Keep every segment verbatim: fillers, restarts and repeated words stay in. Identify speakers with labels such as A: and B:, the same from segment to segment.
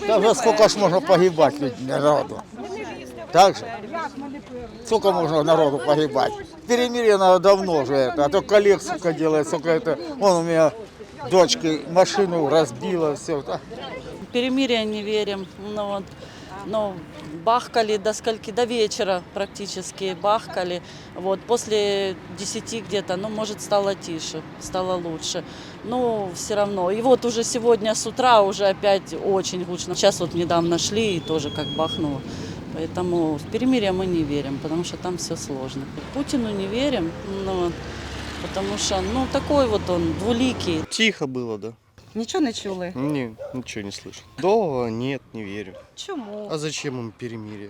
A: Да уже сколько ж можно погибать людь- народу? Так же? Сколько можно народу погибать? Перемирие надо давно же это, а то коллег, сука, делает, сука, это. Вон у меня дочка машину разбила, все.
B: Перемирие не верим. Ну, вот, ну, бахкали до скольки, до вечера практически бахкали. Вот, после десяти где-то, ну, может, стало тише, стало лучше. Но все равно. И вот уже сегодня с утра уже опять очень гучно. Сейчас вот недавно шли и тоже как бахнуло. Поэтому в перемирие мы не верим, потому что там все сложно. Путину не верим, ну, потому что, ну, такой вот он, двуликий.
C: Тихо было, да.
D: Нічого не чули?
C: Не, ничего не слышал. Долго нет, не верю.
D: Чому?
C: А зачем им перемирие?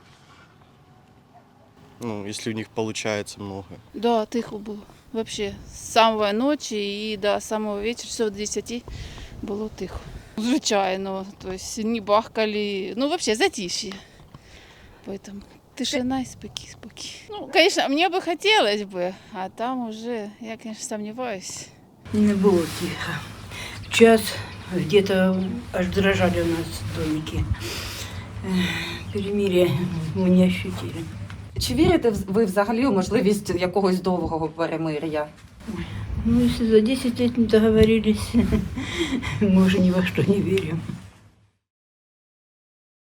C: Ну, если у них получается много.
E: Да, тихо було. Вообще, з самої ночі і до самого вечора, часов до десяти, було тихо. Звичайно, то есть не бахкали, ну вообще затишье. Поэтому тишина и спокій, спокій. Ну, конечно, мне бы хотелось бы, а там уже, я, конечно, сомневаюсь.
F: Не было тихо. В час где-то аж дрожали у нас домики. Эх, Перемирие мы не ощутили.
D: Чи вірите в- ви взагалі у можливість якогось довгого перемир'я?
F: Ну, если за десять лет не договорились, мы уже ни во что не верим.